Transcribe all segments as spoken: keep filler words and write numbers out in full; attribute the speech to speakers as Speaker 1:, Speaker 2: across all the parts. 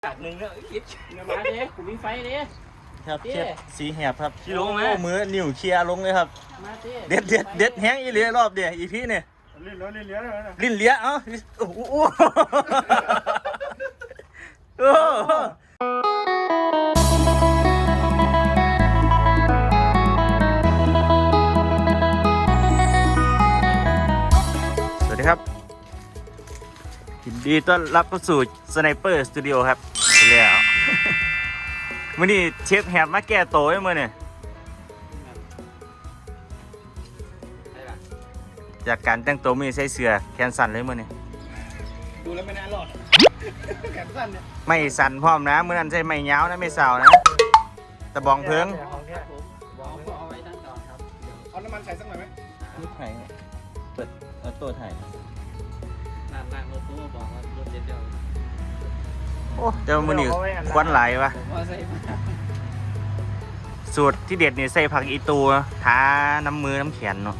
Speaker 1: จากหนึ่งแล้วคิด
Speaker 2: เดี๋ยวมาเด้กูมีไฟเด้
Speaker 3: ครับเชฟสีแหบครับ
Speaker 1: ชิลงไหม
Speaker 3: โอ้มือนิ้วเคลียร์ลงเลยครับ
Speaker 2: มาเด้
Speaker 3: เด็ดเด็ดเด็ดแห้งอีเหลียรอบเดียวอีพี่เนี่ย
Speaker 4: ลิ้นแล้วลิ้นเลี้ยงเลยนะ
Speaker 3: ลิ้นเลี้ยเอ้าโอ้โหโอ้โหสวัสดีครับยินดีต้อนรับเข้าสู่สไนเปอร์สตูดิโอครับแล้วมื่อนี้เชฟแหบมาแก้โตไว้มื่อเนี่ยจากการแต่งตัวมีใส่เสื้อแขนสั้นเลยมื่อเนี่ย
Speaker 4: ดูแล้วไม่น่ารอดแขนสั้นเนี่ย
Speaker 3: ไม่สั่นพร้อมนะมื่อนั้นใช่ไม่ยาวนะไม่สาวนะตะบองเพิง
Speaker 2: ครับผมบอกเอาไว้ตั้งก่อนครับ
Speaker 4: เอาน้ำมันใส่สักหน่อยไหม
Speaker 3: นี่ไผ่เปิดเอาตัวถ่าย
Speaker 2: นั่นนั่นรถตู้บอกว่ารถเด็ดเดียว
Speaker 3: โอ้เจ้ามื่อนี้ควันไหลายวะ
Speaker 2: ผมว่าใส่มา
Speaker 3: สูตรที่เด็ดนี่ใส่ผักอีตูทาน้ำมือน้ำแขนเนาะ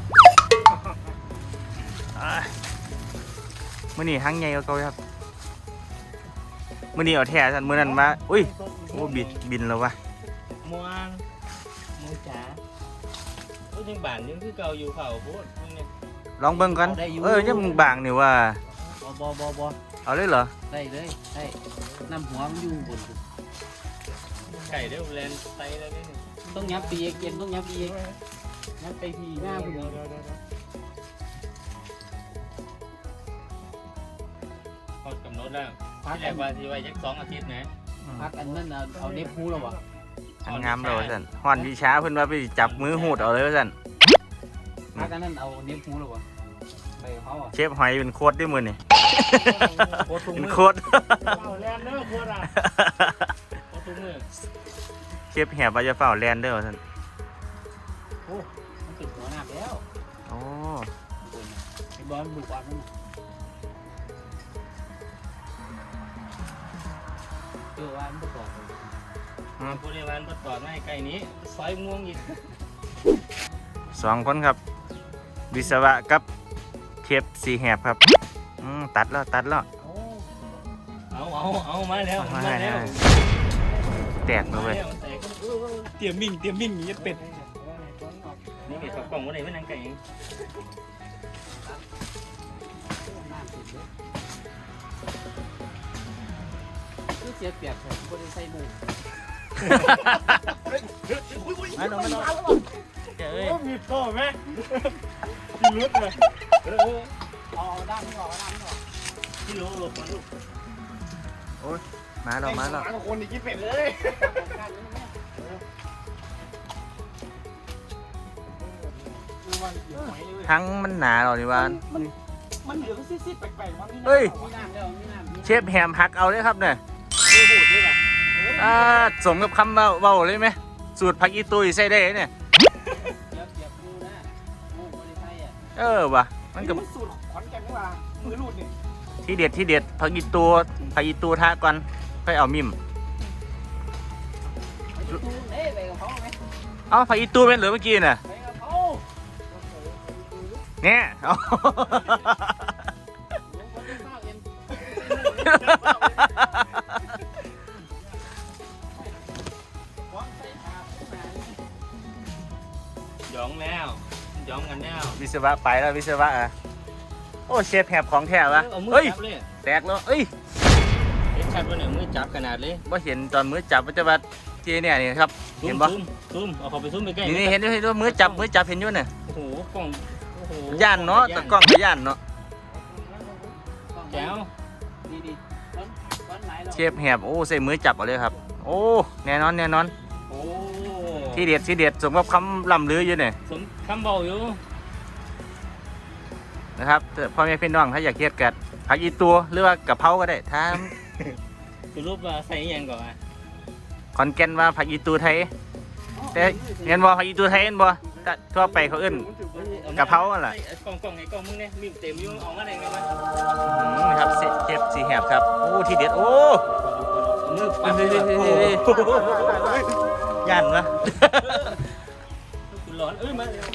Speaker 3: มื่อนี้ทั้งใหญ่ก็เก่าครับมื่อนี้เอาแท้สันมื่อนั้นมาอุ้ยโอ้บินบินแล้ววะ
Speaker 1: มวงมูจ๋าพูดยังบ้านยังคือเก่าอยู่เผาพูดมึงเนี่ย
Speaker 3: ลองเบิ่งก่อนเออยังบางนี่ว่า
Speaker 2: บอบอบอบอ
Speaker 3: เอาเลยเหรอ
Speaker 2: ได้เลยได้น้ำหัวมันอยู่บน
Speaker 1: ไก่เด้อแลนไตแล้วนี่
Speaker 2: ต้องยับปีเกมต้องยับปียับไปทีหน้าคุณ
Speaker 1: พอกำหนดแล้ว
Speaker 2: พัก
Speaker 1: ที่แรกว่าที่ไว้ยักสองอาทิตย์นะ
Speaker 2: พักอันนั้นเอาเน็บพูแล้ววะ
Speaker 3: อันงามเราสันฮอนวิชาเพิ่นว่าไปจับมือหูดเอาเลยว่าสัน
Speaker 2: พักอันนั้นเอาเน็บพูแล้ววะไปเขาอ่ะ
Speaker 3: เชฟหอยเป็นโคตรด้วยมือนี่
Speaker 1: โคตรทุ่ง
Speaker 3: เป็น
Speaker 1: มือ
Speaker 3: โคตร
Speaker 4: เอาแลนเนอร์ควรอ่ะ
Speaker 1: โคตรทุ่งมือ
Speaker 3: เชฟแหบว่าจะเฝ้าแลนเดอร์ว่าสัน
Speaker 2: โอ้มันติดหัวหนักแล้ว
Speaker 3: โอ้
Speaker 2: ไอ้บอลบุกบอลนั่นเจอว่ามันบุกบอล
Speaker 1: ผู้เรียนวันประตอดไม่ไก่นี้ซอยม่วงอีก
Speaker 3: สองคนครับ วิศวะกับเชฟสีแหบครับอืมตัดแล้วตัดแล้ว
Speaker 1: เอาเอาเอามาแล้ว
Speaker 3: เอามา
Speaker 1: มาแล้ว
Speaker 3: ให้แตกเลยเว้ย
Speaker 1: เตรียมมิ่งเตรียมมิ่งอย่างเป็ดนี่เก็บกล่องไว้ไหนไม่นั่งไก่เอง
Speaker 2: คือเสียเปรียบแถมคนใส่หมู
Speaker 3: มาหน่อยมาหน่อยเจ้ย
Speaker 4: โอ้มีโต้ไหมมีรุดเลย
Speaker 2: เอาด้านนี้ออกด้านนี้ออก
Speaker 1: ที่รู้หลบมันลูก
Speaker 3: มาหน่อยมาหน่อย
Speaker 4: หมาคนอีกกี่เป็ดเลย
Speaker 3: ทั้งมันหนาเราดิวาน
Speaker 4: มันเหลืองซีดๆแปลกๆมั้ง
Speaker 3: เฮ้ย
Speaker 2: มีน้ำแล้วมีน้ำ
Speaker 3: เชฟแฮมหักเอาเลยครับเนี่ย
Speaker 1: ไม่พูดด้วยป่ะ
Speaker 3: อ่าสมกับคำเบาเบาเลยไหมสูตรผักอีตุยใส่ได้เนี่ย
Speaker 2: เดี๋ยวเดี๋ยวกูนะกูไม่ได้ใส่อ่ะ
Speaker 3: เออว่ะมันกับ
Speaker 4: มันสูตรขอนแก่นนี่ว่ามือรูดนี่
Speaker 3: ที่เด็ดที่เด็ดผักอีตูผักอีตูทาก่อนค่อยเอามิม
Speaker 2: ไปดูเอ้ยไปกับเขาไหม
Speaker 3: เอาผักอีตูเป็นเหลือเมื่อกี้น่ะ
Speaker 2: ไปกับเขา
Speaker 3: เนี่ยเอา
Speaker 2: ลงคนที่ข้าวเย็นวางใส่ถาดขึ้นมาเลย
Speaker 1: หยองแล้วหยองกันแล้ว
Speaker 3: วิศวะไปแล้ววิศวะอ่ะโอ้เชฟแฮบของแท้วะ
Speaker 1: เอามือ
Speaker 3: เฮ้ย
Speaker 1: จับเลย
Speaker 3: แตกแล้วเอ้ย
Speaker 1: เห็นชัดว่าเนี่ยมือจับขนาดเลย
Speaker 3: ว่าเห็นตอนมือจับว่าจะว่าเจเนี่ยนี่ครับ
Speaker 1: ซู
Speaker 3: เห็
Speaker 1: ม
Speaker 3: นปะ
Speaker 1: ซูมซูมเอาเขาไปซูมไปใกล้
Speaker 3: นี่นี่เห็นด้วยเห็นด้วยมือจับมือจับเห็นอยู่เนี่ย
Speaker 1: โอ้โหกล้องโอ้โห
Speaker 3: ย่านเนาะตะกล้องก็ย่านเนาะ
Speaker 1: แก้ว
Speaker 2: ดีดีร้อนร้อนไหลเรา
Speaker 3: เชฟแฮบโอ้ใส่มือจับเอาเลยครับ โอ้แน่นอนแน่นอน
Speaker 1: โอ้
Speaker 3: ที่เด็ดที่เด็ดสมกับคำล่ำลืออยู่เนี่ย
Speaker 1: สมคำเบาอยู่
Speaker 3: นะครับแต่พ่อแม่พี่น้องถ้าอยากเฮ็ดกัดผักอีตัวหรือว่ากะเพราก็ได้ถ้า
Speaker 1: สรุปว่าใส่อิหยังก่อนอ่ะ
Speaker 3: ขอนแก่นว่าผักอีตัวไทยแต่เรียนบ่ผักอีตัวไทยเห็นบ่แต่ทั่วไปเขาเอิ้น กะเพราอะไร
Speaker 1: ไอ้กล่องกล่องไอ้กล่องมึงเนี่ยมีเต็มอยู่เอามาได้ไงวะ
Speaker 3: อืมครับเชฟสีแหบครับโอ้ที่เด็ดโอ้
Speaker 1: มือ
Speaker 3: เฮ้
Speaker 1: ปั๊
Speaker 3: ย
Speaker 1: บ
Speaker 3: เฮ้ยเฮ้ยเฮ้ยเฮ้ยย่านวะ
Speaker 1: คุณร้อนเอ้ยมาเร็ว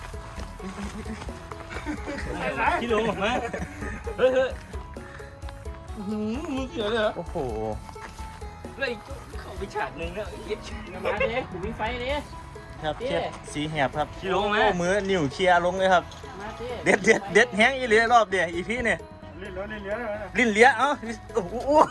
Speaker 1: ที่ลงออกมาเฮ้ยเฮ้ยมือเกี่ยวเลยเหรอ
Speaker 3: โอ้โห
Speaker 1: ยเข้าไปฉากหนึ่งแล้วเย็ด
Speaker 2: มาเด้กูมีไฟเด้
Speaker 3: ครับเชฟสีแหบครับ
Speaker 1: ขี้ลงไหม
Speaker 3: โอ้มือนิ้วเคลียร์ลงเลยครับ
Speaker 2: มาเด้
Speaker 3: เด็ดเด็ดเด็ดแห้งอีเหลียรอบเดียวอีพี่เนี่ย
Speaker 4: เล่นแล้วเล่นเลี้ยแล้วนะ
Speaker 3: ลิ้นเลี้ยเอ้าโอ้โห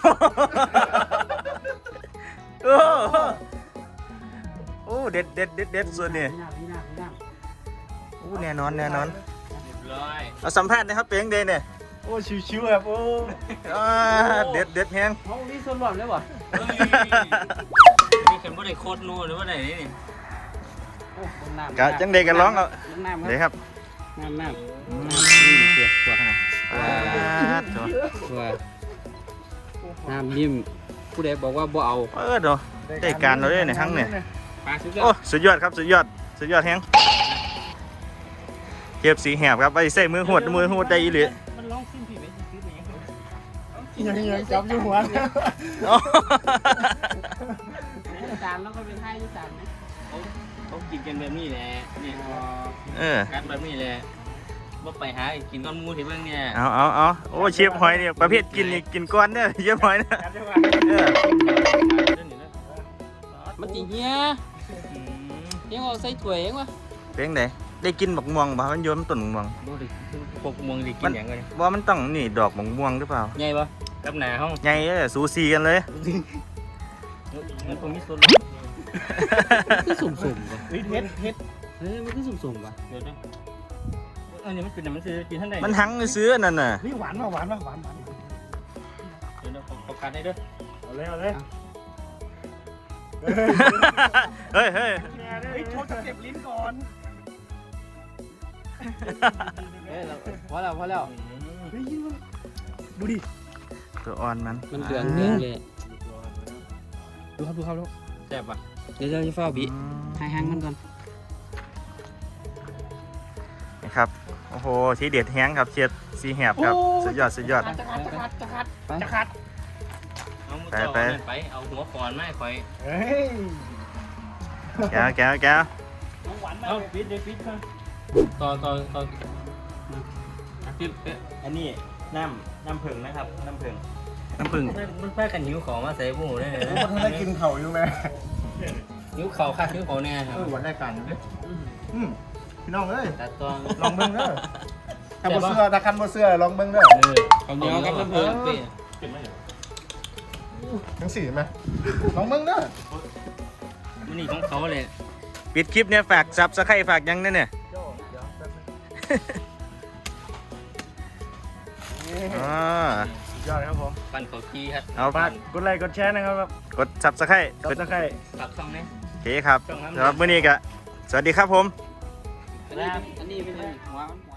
Speaker 3: โอ้โหโอ้เด็ดเด็ดเด็ดเด็ดส่วนนี่
Speaker 2: พี่น้ำพี่น้ำพี่น้
Speaker 3: โอ้แน่นอนแน่นอน
Speaker 1: เรียบร้อย
Speaker 3: เอาสัมภาษณ์นะครับเป็นยังไงเนี่ย
Speaker 4: โอ้ชิวๆแบบโอ้
Speaker 3: อ่าเด็ดเด็ดแห้ง
Speaker 2: ำเขามีส่วนรวมเลยบ่
Speaker 1: เฮ้ยนี่กันว่าได้โคตรนู่นหรือว่าไหนนี่
Speaker 2: โอ้ลงน้ำ
Speaker 3: กะจังเด็กกันร้องเอา
Speaker 2: ลงน้ำ
Speaker 3: เดี๋ยว
Speaker 2: ครับ
Speaker 3: ครับ
Speaker 2: น้ำน้ำน้ำตัวตัวขนาด
Speaker 3: อ่าตัว
Speaker 2: ตัวน้ำนิ่มผู้ใดบอกว่าบ่เอา
Speaker 3: เออเดี๋ยวได้การเราด้วยเนี่ยทั้งเนี่ย
Speaker 2: ปลาสุดยอ
Speaker 3: โอ้
Speaker 2: ด
Speaker 3: สุดยอดครับสุดยอดสุดยอดแห้งเก็บสีแหบครับไปใส่มือหวดมือหวดได้อีหลี
Speaker 1: มันร้องซิ่งผีไปซื้อไปยังไง
Speaker 4: ยังยังจับอยู่หัว
Speaker 3: โอ้
Speaker 2: จานแล้วก็เป็นให้ยุจานนะ
Speaker 1: เขาเขากินกันแบบนี้แหละเนี่ย
Speaker 3: เออ
Speaker 1: กัดแบบนี้แหละว่าไปหากินก้อนมูที่เบื้องเนี่ย
Speaker 3: เอาเอาเอาโอ้เชฟหอยเนี่ยประเภทกินนี่กินก้อนเนี่ยเชฟหอยนะ
Speaker 4: จับอยู่หัว
Speaker 3: เออ
Speaker 2: มันจีเฮียยังเอาใส่ถ้วยเองวะ
Speaker 3: เป็นไงได้กินบักม่วงบ่มันโยนมันต้นบักม่วง
Speaker 1: ดูดิพวกมวงดิกินอย่างไง
Speaker 3: ว่ามันต้องนี่ดอกบักม่วงหรือเปล่า
Speaker 1: ใหญ่ปะกับหนาห้อง
Speaker 3: ใหญ่เอ้ยสูสีกันเลย
Speaker 1: มันคงมีส่วน
Speaker 2: คือสุ่มสุ่มป่ะ
Speaker 4: เฮ็ดเฮ็ดเฮ็ด
Speaker 2: เฮ้ยมันคือสุ่มสุ่มป่ะ
Speaker 1: เดี๋ยวนะอันนี้มันเป็นมันคือกินท่านใด
Speaker 3: มันหังซื้อนั่นน่ะ
Speaker 4: นี่หวานมาหวานมาหวานหวาน
Speaker 1: เดี๋ยวนะขอการได้ด้วย
Speaker 4: เอาเลยเอาเลย
Speaker 3: เฮ้ยเฮ้ย
Speaker 4: เฮ้ยโชว์จะเจ็บลิ้นก่อน
Speaker 2: เอ้ยเราพอแล้วพอแล้ว
Speaker 4: เฮ้ยดูดิ
Speaker 3: ตัวอ่อนมัน
Speaker 2: มันเหลืองเหลืองเลย
Speaker 4: ดูครับดูครับดู
Speaker 1: แซ่บปะ
Speaker 2: เดี๋ยวเราจะเฝ้าบี
Speaker 3: อืม
Speaker 2: ให้หางมันก่อน
Speaker 3: นะครับโอ้โหทีเด็ดแห้งครับเชียดสีแหบครับสุดยอดสุดยอด
Speaker 4: จะขัดจะขัดจะขัด
Speaker 2: ไป
Speaker 4: จะขัด
Speaker 1: เอามือจ่อไปเอาหัวคอนไม่คอย
Speaker 4: เฮ้ย
Speaker 3: แก้วแก้วแก้ว
Speaker 4: หวานมา
Speaker 1: เอา
Speaker 4: ก
Speaker 1: ปิดเลยปิดค่ะต่อต่อต่อปิด
Speaker 3: อันนี้น้ำน้ำผึ้งนะครับน้ำผึ้งน้ำผึ้ง
Speaker 1: มันแพ้กันหิวของมาใส่บูได้เลย
Speaker 4: ทุกคนได้กินเข่าอยู่ไหม
Speaker 1: หิวเข่าค่ะหิวเขาแน่ครั
Speaker 4: เออหวานได้กันอยู่ดิอืมพี่น้องเอ้ย
Speaker 1: ตัดตัว
Speaker 4: ลองเบิ้งเด้อถ้าบ่เสื้อถ้าคันบ่เสื้อลองเบิ้งเด้อ
Speaker 1: เออ
Speaker 2: เอาเหนียวกับน้ำผึ้ง
Speaker 4: ทั้งสี่ไหมลองเบิ้งเด้อ
Speaker 1: มันนี่ของเขาเลย
Speaker 3: ปิดคลิปเนี่ยฝากซับสไครฝากยังเนี่ยเนี่ยอ๋อ
Speaker 4: ยอดครับผม
Speaker 1: ปั่นเขาทีครับ
Speaker 3: เอา
Speaker 4: ฝากกดไลค์กดแชร์นะครับ
Speaker 3: กดซับสไคร
Speaker 4: กดตะไคร้
Speaker 1: ฝากช่องนี้
Speaker 3: โอเคครับสำหรับมื้อนี้ก็สวัสดีครับผม
Speaker 2: อันนี้อันนี้เป็นหัวมันหัว